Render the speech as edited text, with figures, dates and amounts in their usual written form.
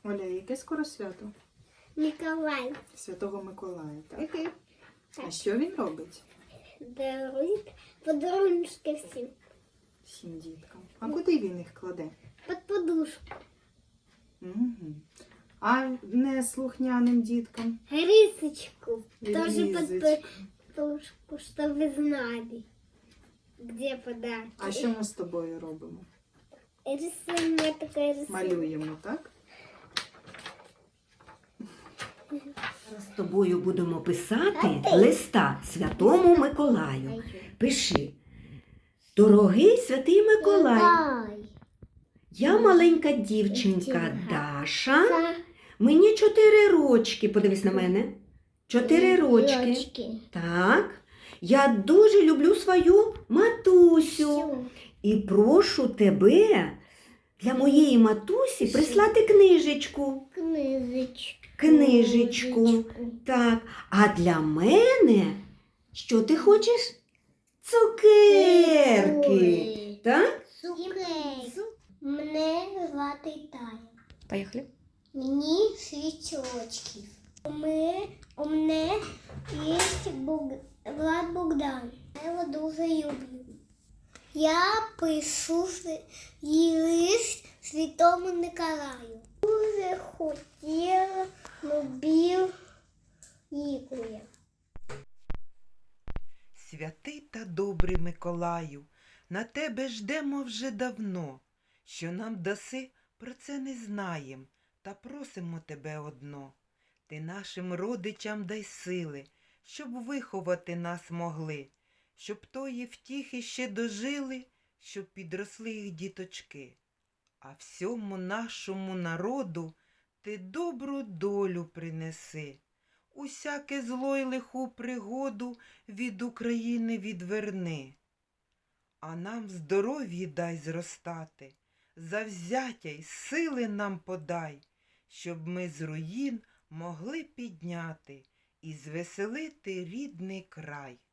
Оля, яке скоро свято? Миколай. Святого Миколая, так? А що він робить? Дарует подарунки всім. Всім діткам. А куди він їх кладе? Під подушку. Угу. А не слухняним діткам? Рисочку. Тоже под Ризочку. подушку, чтобы вы знали, где подарки. А що ми з тобою робимо? Рисуем, я такая рисую. Малюємо, так? Зараз з тобою будемо писати листа Святому Миколаю. Пиши. Дорогий Святий Миколай, я маленька дівчинка Даша. Мені 4 рочки. Подивись на мене. 4 рочки. Так. Я дуже люблю свою матусю. І прошу тебе для моєї матусі прислати книжечку. Книжечку. Так. А для мене, що ти хочеш? Цукерки. Так? Мне звати Таня. Поїхали. Мені 6 рочків. У мене є Влад Богдан. Я його дуже люблю. Я пишу лист Святому Миколаю. Дуже хотіла, любив Ігоря. Святий та добрий Миколаю, на тебе ждемо вже давно. Що нам даси, про це не знаєм, та просимо тебе одно. Ти нашим родичам дай сили, щоб виховати нас могли, щоб тої втіхи ще дожили, щоб підросли їх діточки. А всьому нашому народу ти добру долю принеси. Усяке зло й лиху пригоду від України відверни. А нам здоров'ї дай зростати, завзяття й сили нам подай, щоб ми з руїн могли підняти і звеселити рідний край.